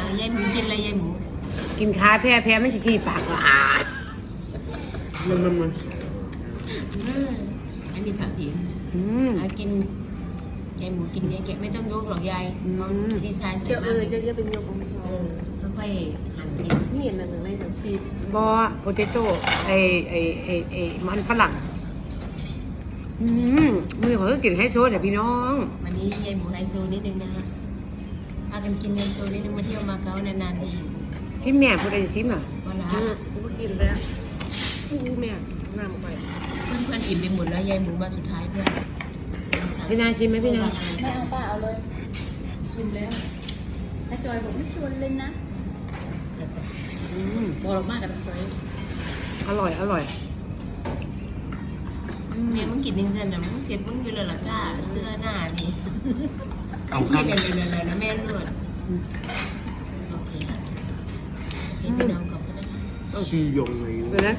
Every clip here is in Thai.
ยายหมูกินอะไรยายหมูกินขาแพ้ไม่ชี้ปากละมันอันนี้ผักผิวกินยายหมูกินเยอะแกไม่ต้องยกหรอกยายดีไซน์สวยมากเลยจะเป็นยกของค่อยๆหั่นกินนี่เห็นมันไม่ถึงชีสบอโปเตโต้ไอมันฝรั่งมือของก็กินไฮโซแต่พี่น้องวันนี้ยายหมูไฮโซนิดนึงนะฮะพากันกินไฮโซนิดนึงมาเที่ยวมาเก๊านานๆทีซิมแม่พูดอะไรซิมอ่ะก็ละกูกินแล้วกูแม่น้ำไปเพื่อนๆอิ่มไปหมดแล้วยายหมูมาสุดท้ายเพื่อนพี่นาชิมไหมพี่นาไม่เอาป้าเอาเลยชิมแล้วแต่จอยบอกไม่ชวนเล่นนะบอกมากแต่ไม่อร่อยเนี่ยมึงกินนิ่งเส้นนะมึงเสียดมึงอยู่แล้วล่ะก้าเสื้อหน้านี่เอากันเลยนะแม่เลือดโอเคพี่น้องขอบคุณนะคะต้องชียงเลยนะ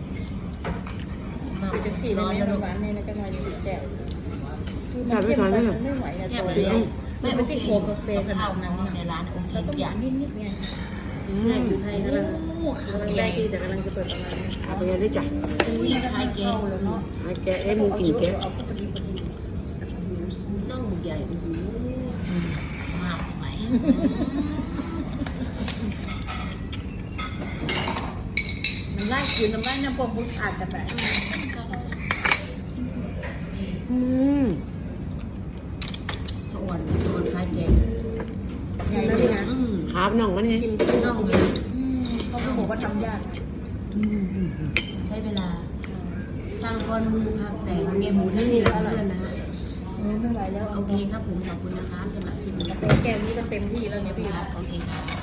ไปจังสี่ได้ไหมหวานเนี่ยนะจะมาอยู่แก้วคือมันเข้มไปมันไม่ไหวนะตัวเดียวไม่ใช่โคกาแฟขนาดนั้นในร้านโอเคเราต้องทุกอย่างนิดไงอยู่ไทยกำลังได้ดีแต่กำลังจะเปิดประมาณนี้เอาไปได้จ้ะนี่ไทยแก้วแล้วเนาะไอ้แกไอ้มึงกินแกเอาพอดีน่องใหญ่มากไปมันไล่คืนน้ำไล่น้ำปมบุญอาจจะแบบสวนคล้ายแกงใหญ่เลยนะครับน้องมันไงชิมที่น่องเลยเขาบอกว่าทำยากใช้เวลาสร้างก้อนมือครับแต่ของเมียหมูนั่นนี่แหละเพื่อนนะฮะไม่ไหวแล้วโอเคครับผมขอบคุณนะคะสำหรับคลิปนี้แกงนี้ก็เต็มที่แล้วเนี่ยพี่โอเคครับ